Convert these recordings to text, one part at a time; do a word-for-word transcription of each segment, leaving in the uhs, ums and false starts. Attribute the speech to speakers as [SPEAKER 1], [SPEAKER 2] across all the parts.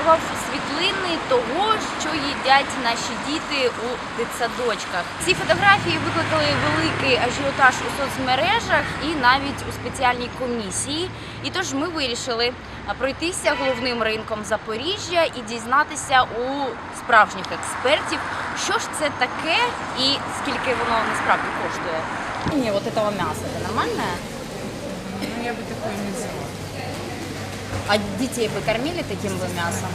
[SPEAKER 1] підготував світлини того, що їдять наші діти у дитсадочках. Ці фотографії викликали великий ажіотаж у соцмережах і навіть у спеціальній комісії. І тож ми вирішили пройтися головним ринком Запоріжжя і дізнатися у справжніх експертів, що ж це таке і скільки воно насправді коштує. Ні, от цього м'яса, це нормальне?
[SPEAKER 2] Ну, я бы такое не взяла.
[SPEAKER 1] А детей вы кормили таким бы мясом?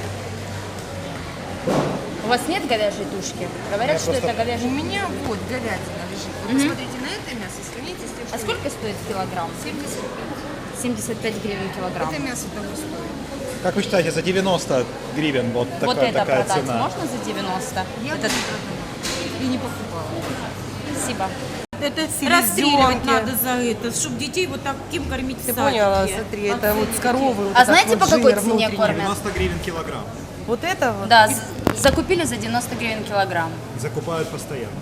[SPEAKER 1] У вас нет говяжьей тушки? Говорят,
[SPEAKER 3] Я
[SPEAKER 1] что
[SPEAKER 3] просто-
[SPEAKER 1] это
[SPEAKER 2] У
[SPEAKER 1] говяжья.
[SPEAKER 2] меня вот говядина лежит. Вы
[SPEAKER 1] Мгм.
[SPEAKER 2] посмотрите на это мясо, сравните с тем, что...
[SPEAKER 1] А сколько стоит килограмм?
[SPEAKER 2] семьдесят пять.
[SPEAKER 1] семьдесят пять гривен килограмм.
[SPEAKER 2] Это мясо того стоит.
[SPEAKER 3] Как вы считаете, за девяносто гривен вот,
[SPEAKER 1] Вот
[SPEAKER 3] такая,
[SPEAKER 1] это
[SPEAKER 3] такая
[SPEAKER 1] продать
[SPEAKER 3] цена?
[SPEAKER 1] можно за девяносто?
[SPEAKER 2] Я бы
[SPEAKER 1] Это...
[SPEAKER 2] не продавала. И не покупала.
[SPEAKER 1] Спасибо.
[SPEAKER 4] Это
[SPEAKER 5] Селезенки.
[SPEAKER 4] расстреливать надо за это, чтобы детей вот таким кормить в
[SPEAKER 5] Ты
[SPEAKER 4] садике.
[SPEAKER 5] поняла, смотри, это вот с коровы. Вот
[SPEAKER 1] А
[SPEAKER 5] этот
[SPEAKER 1] знаете,
[SPEAKER 5] вот
[SPEAKER 1] по какой
[SPEAKER 5] жир
[SPEAKER 1] цене
[SPEAKER 5] внутренний.
[SPEAKER 1] кормят?
[SPEAKER 3] девяносто гривен килограмм.
[SPEAKER 5] Вот это вот?
[SPEAKER 1] Да, з- закупили за девяносто гривен килограмм.
[SPEAKER 3] Закупают постоянно.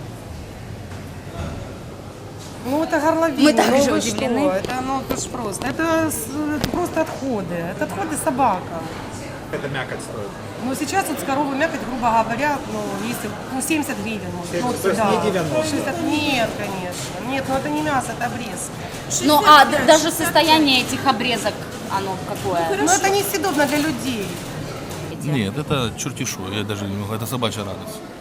[SPEAKER 5] Ну это горловина.
[SPEAKER 1] Мы также
[SPEAKER 5] ну, вы
[SPEAKER 1] удивлены.
[SPEAKER 5] что? Это, ну, это ж просто. Это, с- это просто отходы. Это отходы собака.
[SPEAKER 3] Это мякоть стоит.
[SPEAKER 5] Ну сейчас вот с коровы мякоть, грубо говоря, ну если ну, семьдесят гривен может.
[SPEAKER 3] семьдесят,
[SPEAKER 5] Ну,
[SPEAKER 3] то есть
[SPEAKER 5] да.
[SPEAKER 3] не девяносто.
[SPEAKER 5] шестьдесят нет, конечно. Нет, ну это не мясо, это обрезки.
[SPEAKER 1] Ну, а д- даже состояние этих обрезок, оно какое?
[SPEAKER 5] Но это несъедобно для людей.
[SPEAKER 6] Нет, это чертишу, я даже не могу, это собачья радость.